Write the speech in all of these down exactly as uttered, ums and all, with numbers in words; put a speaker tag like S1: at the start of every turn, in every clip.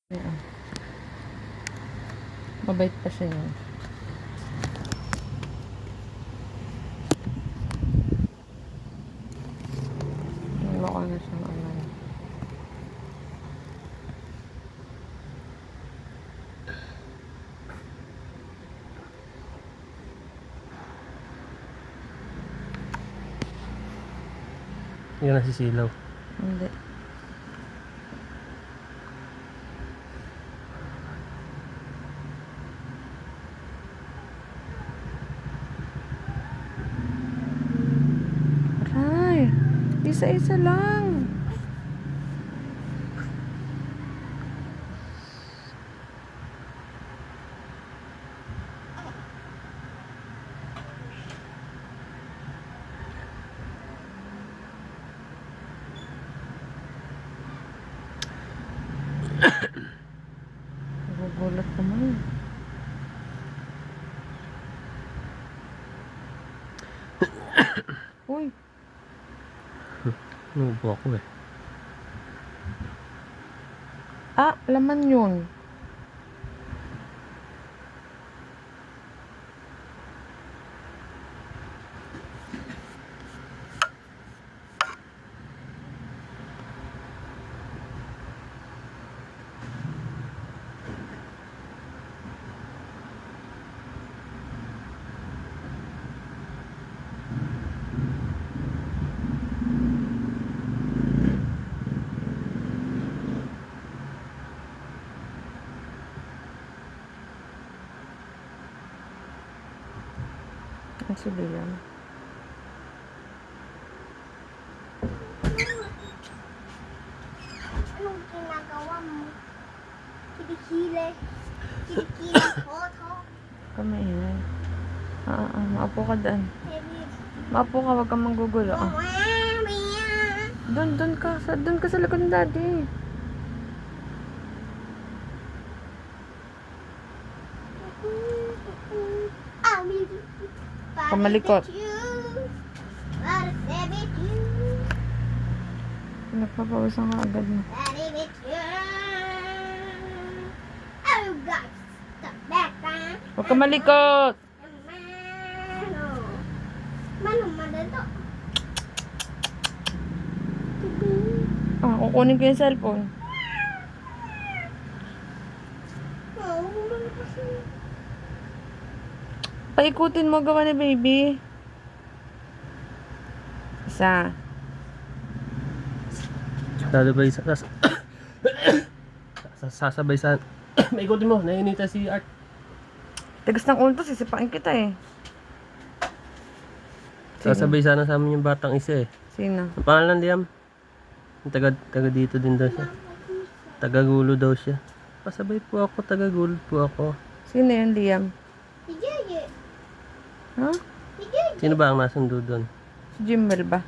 S1: Oo. Mabait pa siya yun. Mukha na siyang ano.
S2: Yan nasisilaw.
S1: Hindi. Aray! Isa-isa lang. Nagugulat naman. Uy!
S2: Nubo ako eh.
S1: Ah, laman yun. Ang sabi yan.
S3: Anong ginagawa mo? Kilikili. Kilikili ko to.
S1: Kamay yan. Ah, ah, maapo ka dyan.
S3: Baby.
S1: Maapo ka, wag kang manggugulo. Ah. Doon, doon ka. Sa, doon ka sa likod ng daddy. Kamalikot. Nagpapawisan ka agad mo. Huwag ka malikot!
S3: Manong madado.
S1: Ah, kukunin ko yung cellphone.
S3: Oh, ano kasi?
S1: Paikutin mo, gawa ni baby. Isa.
S2: Sasabay sa... Sas sasabay sa... Maikutin mo, nainita si Art.
S1: Tigas ng ulo to, sisipain kita eh. Sino?
S2: Sasabay sana sa amin yung batang isa eh.
S1: Sino?
S2: Ang pangalan Liam? Yung Taga, taga dito din daw siya. Tagagulo daw siya. Pasabay po ako, tagagulo po ako.
S1: Sino yun, Liam?
S3: Si Jeje.
S1: Ha?
S3: Si Jeje.
S2: Sino ba ang nasundo doon?
S1: Si Jimmel ba?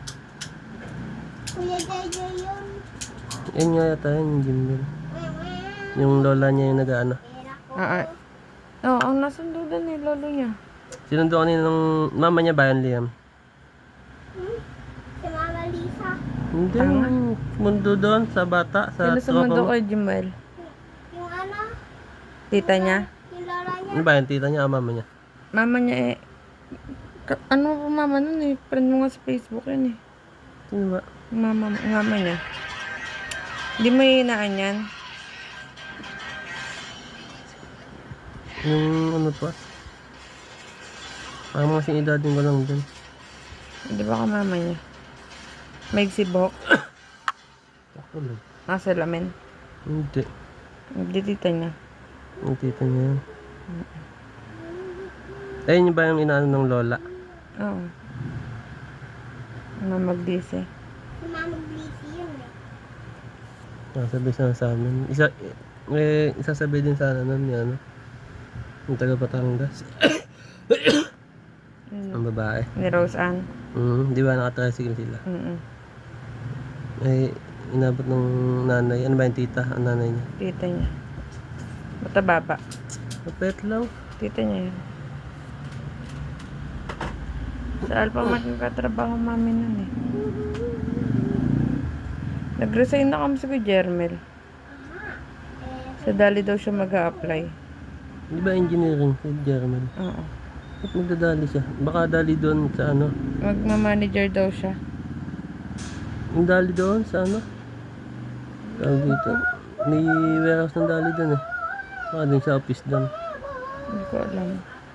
S3: Kuya Jeje yun.
S2: Yun nga yata yun, yung Jimmel. Yung lola niya yung nag-ano.
S3: Pera ko.
S1: Ah, ah. Oo, oh, ang nasundo doon eh, lolo niya.
S2: Sinundo kanina ng mama niya ba yan, Liam?
S3: Hmm? Si Mama Lisa.
S2: Hindi,
S1: Tanga.
S2: mundo doon sa bata, sa
S1: Sino
S2: tropa
S1: sumundo
S2: mo.
S1: kay Jimmel?
S3: Yung ano?
S1: Tita niya?
S3: Yung lola niya.
S2: Ano ba yan, tita niya o mama niya?
S1: Mama niya eh. Ka- ano po mama nun eh? Friend mo nga sa Facebook yun eh.
S2: Sino ba?
S1: Yung Mama, yung mama niya. Hindi mo hinaan yan?
S2: Yung ano pa? Parang mga sinidadin ko lang dun.
S1: Hindi ba ka mama niya? May sibok?
S2: Ako lang.
S1: Nasa lamin?
S2: Hindi.
S1: Hindi tita niya.
S2: Yung tita niya yun. Ayun yung ba yung inaano ng lola?
S1: Oo. Na magdisi.
S3: Si Mama Lisa yun eh.
S2: Nasabi sana sa amin. Isa, eh, isasabi din sana nun yung ano. Yung taga Batangas.
S1: Yun.
S2: Ang babae.
S1: Ni Rose Ann.
S2: Mm, di ba nakatricycle sila?
S1: Mm-mm.
S2: Eh, inabot ng nanay. Ano ba yung tita? Ang nanay niya.
S1: Tita niya. Bata baba.
S2: Mapet lang.
S1: Tita niya yun. Sa Alphamart nagkatrabaho mami nun eh. Nag-resign na kami sa Kuya Jermel.
S3: Aha. Eh,
S1: Sa Dali daw siya mag-a-apply.
S2: Di ba engineering si Jerman?
S1: Oo.
S2: Ba't magdadali siya? Baka dali doon sa ano?
S1: Magma-manager daw siya.
S2: Yung dali doon sa ano? Tawag dito. May warehouse ng dali doon eh. Baka din sa office doon.
S1: Hindi ko alam.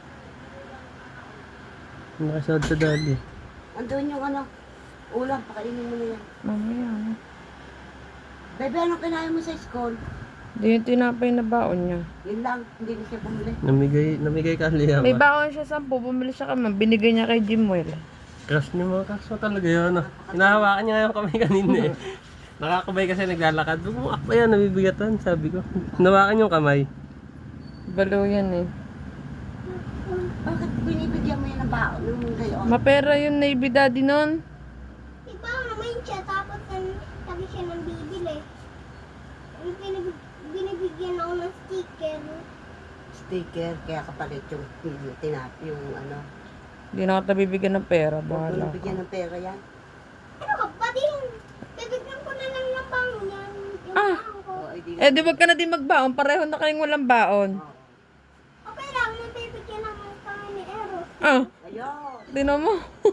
S2: Nakasahod sa dali.
S4: Andun yung ano, ulam, pakainin mo na yan.
S1: Mamaya, ano?
S4: Bebe, anong kinain mo sa school?
S1: Hindi yung tinapay na baon niya.
S4: Yun lang, hindi na siya bumili.
S2: Namigay, namigay ka liya
S1: May
S2: ba?
S1: baon siya sampu, bumili siya kami. Binigay niya kay Jimwell.
S2: Crush niyo mga crush mo talaga yun. Ano? Hinahawakan niya ngayon kami kanina eh. Nakakabay kasi naglalakad. Huwag mo akba yan, nabibigatan, sabi ko. Hinawakan yung kamay.
S1: Balo yan eh.
S4: Bakit binibigyan mo yan ng baon nung gayon?
S1: Mapera yung Navy Daddy nun.
S3: Iba naman siya, tapos nan- lagi siya nang bibili. Yung binib- binibigyan ako ng sticker.
S4: Sticker, kaya kapalit yung, yung tinap, yung ano.
S1: Hindi na kita bibigyan ng pera.
S4: Huwag mo
S1: Bahala ka.
S4: bigyan ng pera yan.
S3: Ano ka ba din? Bibigyan ko na lang ng bang yan. Yung
S1: Ah.
S3: bang ko.
S4: O, di,
S1: Eh, di wag ka na din magbaon. Pareho na kayong walang baon.
S3: Okay lang, may bibigyan naman kami ni Eros.
S1: Ah,
S4: Ayun.
S1: tinan mo.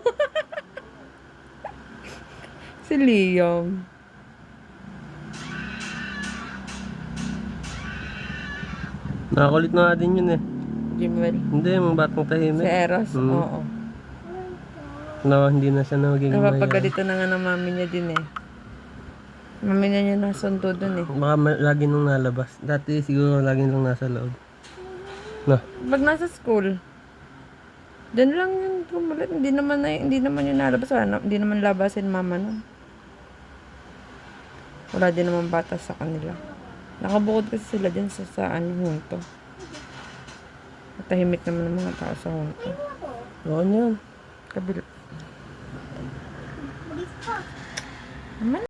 S1: Si Liam.
S2: Nakakulit na nga din yun eh.
S1: Jimwell.
S2: Hindi, yung batang
S1: Si
S2: tahimik.
S1: Eros.
S2: Mm.
S1: Oo.
S2: No, hindi na siya nagiging mayan.
S1: Napapagalito na nga ng mami niya din eh. Mami niya niya nasundo dun eh.
S2: Baka ma- lagi nung nalabas. Dati siguro lagi nung nasa loob. No.
S1: Pag nasa school, dyan lang yung tumulit. Hindi naman, na, hindi naman yung nalabas. Wala, na- hindi naman labasin mama nun. Wala din naman bata sa kanila. Nakabukod kasi sila dyan sa, sa ano, hunto. Tahimik naman ng mga tao sa hunto.
S2: Oo yan.
S1: Kabila.
S3: Bilis pa.
S1: Naman